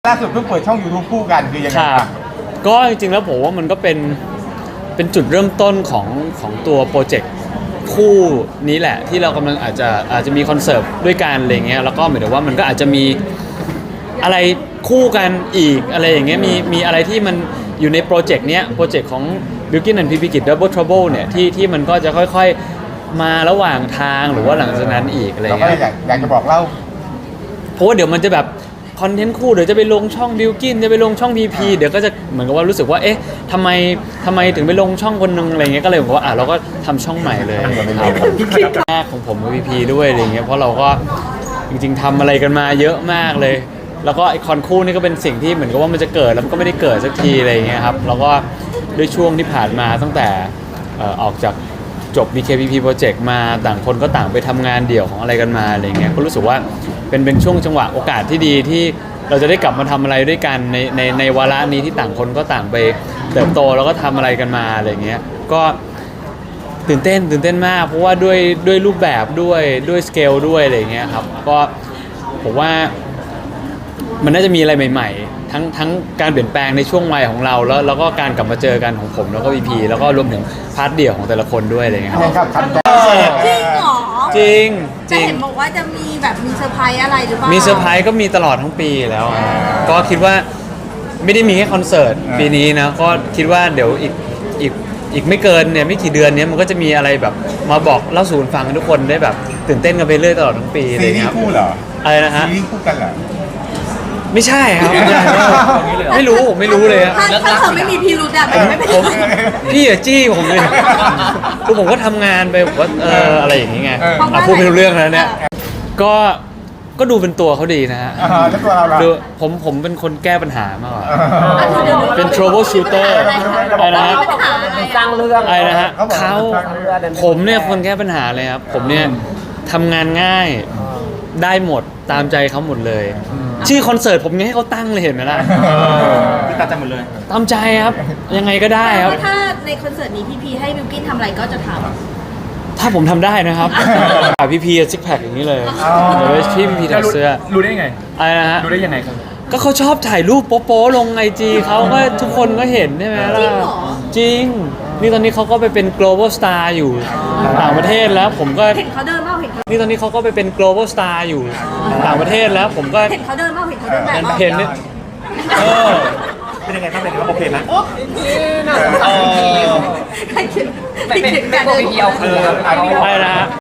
ล่าสุดเพิ่งเปิดช่อง YouTube คู่กันคือยังไงครับก็จริงๆแล้วผมว่ามันก็เป็นจุดเริ่มต้นของตัวโปรเจกต์คู่นี้แหละที่เรากำลังอาจจะมีคอนเสิร์ตด้วยกันอะไรเงี้ยแล้วก็หมายถึงว่ามันก็อาจจะมีอะไรคู่กันอีกอะไรอย่างเงี้ยมีอะไรที่มันอยู่ในโปรเจกต์เนี้ยโปรเจกต์ของ Bilkin and PP Kid Double Trouble เนี่ยที่มันก็จะค่อยๆมาระหว่างทางหรือว่าหลังจากนั้นอีกอะไรเงี้ยเราก็อยากจะบอกเล่าเพราะว่าเดี๋ยวมันจะแบบคอนเทนต์คู่เดี๋ยวจะไปลงช่องบิลกินจะไปลงช่อง PP เดี๋ยวก็จะเหมือนกับว่ารู้สึกว่าเอ๊ะทำไมถึงไปลงช่องคนนึงอะไรเงี้ยก็เลยบอกว่าเราก็ทำช่องใหม่เลยครับแรกของผมกับ PP ด้วยอะไรเงี้ยเพราะเราก็จริงๆทำอะไรกันมาเยอะมากเลยแล้วก็ไอคอนคู่นี่ก็เป็นสิ่งที่เหมือนกับว่ามันจะเกิดแล้วมันก็ไม่ได้เกิดสักทีอะไรเงี้ยครับแล้วก็ด้วยช่วงที่ผ่านมาตั้งแต่ออกจากจบ BKPP Project มาต่างคนก็ต่างไปทำงานเดี่ยวของอะไรกันมาอะไรเงี้ยก็รู้สึกว่าเป็นช่วงจังหวะโอกาสที่ดีที่เราจะได้กลับมาทำอะไรด้วยกันในวาระนี้ที่ต่างคนก็ต่างไปเติบโตแล้วก็ทำอะไรกันมาอะไรเงี้ยก็ตื่นเต้นมากเพราะว่าด้วยรูปแบบด้วยสเกลด้วยอะไรเงี้ยครับก็ผมว่ามันน่าจะมีอะไรใหม่ๆทั้งการเปลี่ยนแปลงในช่วงวัยของเราแล้วก็การกลับมาเจอกันของผมแล้วก็ VP แล้วก็รวมถึงพาร์ทเดี่ยวของแต่ละคนด้วยอะไรเงี้ยครับจริงเหรอจริงจะเห็นบอกว่าจะมีแบบมีเซอร์ไพรส์อะไรหรือเปล่ามีเซอร์ไพรส์ก็มีตลอดทั้งปีแล้วก็คิดว่าไม่ได้มีแค่คอนเสิร์ตปีนี้นะก็คิดว่าเดี๋ยวอีกไม่เกินเนี่ยไม่กี่เดือนนี้มันก็จะมีอะไรแบบมาบอกเล่าสู่ฟังทุกคนได้แบบตื่นเต้นกันไปเรื่อยตลอดทั้งปีเลยครับซีรีส์คู่เหรออะไรนะฮะซีรีส์คู่กันเหรอไม่ใช่ครับไม่รู้ผมไม่รู้เลยครับถ้าเธอไม่มีพิรุธอะไม่เป็นไรพี่อะจี้ผมเลยคือผมก็ทำงานไปผมก็อะไรอย่างนี้ไงพูดไม่รู้เรื่องแล้วเนี่ยก็ดูเป็นตัวเขาดีนะฮะแล้วตัวเราล่ะดูผมเป็นคนแก้ปัญหามากกว่าเป็น trouble shooter อะไรนะฮะสร้างเรื่องอะไรนะฮะผมเนี่ยคนแก้ปัญหาเลยครับผมเนี่ยทำงานง่ายได้หมดตามใจเขาหมดเลยชื่อคอนเสิร์ตผมยังให้เขาตั้งเลยเห็นไหมล่ะตามใจหมดเลยตามใจครับยังไงก็ได้ครับถ้าในคอนเสิร์ตนี้พี่พีให้บิลกิ้นทำอะไรก็จะทำถ้าผมทำได้นะครับพี่พีซิกแพคอย่างนี้เลยเดี๋ยวพี่พีถอดเสื้อรู้ได้ยังไงอะไรนะฮะรู้ได้ยังไงครับก็เขาชอบถ่ายรูปโป๊ะๆลงIGเขาก็ทุกคนก็เห็นใช่ไหมล่ะจริงนี่ตอนนี้เขาก็ไปเป็น global star อยู่ต่างประเทศแล้วผมก็เห็นเขาเดินบ้างเห็นนี่ตอนนี้เขาก็ไปเป็น global star อยู่ต่างประเทศแล้วผมก็เห็นเขาเดินบ้างเห็นเขาเดินแบบเห็นเนี่ยเป็นยังไงบ้างเป็นยังไงบ้างโอเคนะใครเขียนแบบเดียวอะไรนะ